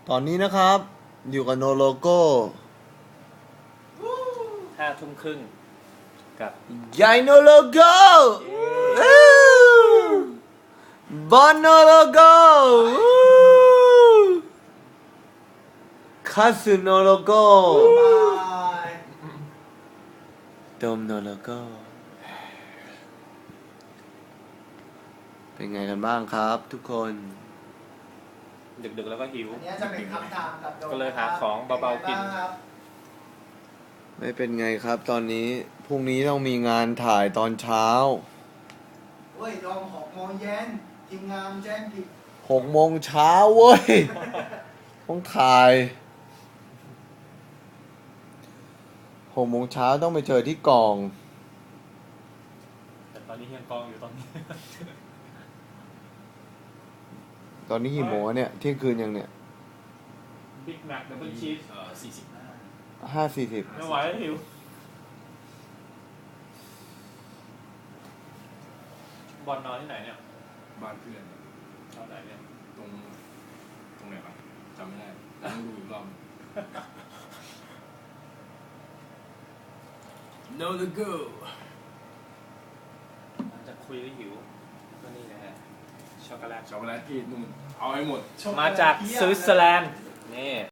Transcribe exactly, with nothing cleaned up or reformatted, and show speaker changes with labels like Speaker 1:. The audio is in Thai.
Speaker 1: ตอนนี้นะครับอยู่กับโนโลโก้
Speaker 2: ห้าทุ่มครึ่งกับ
Speaker 1: ยายโนโลโก้บอลโนโลโก้คาสึโนโลโก้โดมโนโลโก้เป็นไงกันบ้างครับทุกคน
Speaker 2: ดึกๆแล้วก็หิว
Speaker 3: อันนี้จะเป็นคำถามกับโดม
Speaker 2: ก็เลยหาของเบาๆกิน
Speaker 3: ป็ไงบ้งครับ
Speaker 1: ไม่เป็นไงครับตอนนี้พรุ่งนี้ต้องมีงานถ่ายตอนเช้า
Speaker 3: เฮ้ยโดมหกโมงเย็นทีมงานแจ้งผิด
Speaker 1: หกโมงเช้าเว้ย ต้องถ่ายหกโมงเช้าต้องไปเจอที่กอง
Speaker 2: แต่ตอนนี้ยังกองอยู่ตอนนี้
Speaker 1: ตอนนี้กี่โมงเนี่ยเที่ยงคืนยังเนี่ย
Speaker 2: บิ๊กแม็กดับเบิลชีส
Speaker 4: เอ่อสี่สิบห้า
Speaker 1: ห้าสี่สิบ
Speaker 2: ไม่ไหวแล้วหิวบอลนอนที่ไหนเนี่ย
Speaker 4: บ้านเพื่อน
Speaker 2: นอนไหนเนี่ย
Speaker 4: ตรงตรงไหนวะจำไม่ได้ต้องดูอีกรอบ No the go
Speaker 2: หลังจากคุยแล้วหิวก็นี่นะฮะช็อกโกแลต
Speaker 4: ช็อกโกแลตที่นู่นเอาให้หมด
Speaker 2: มาจากสวิตเซอร์แลนด์นี่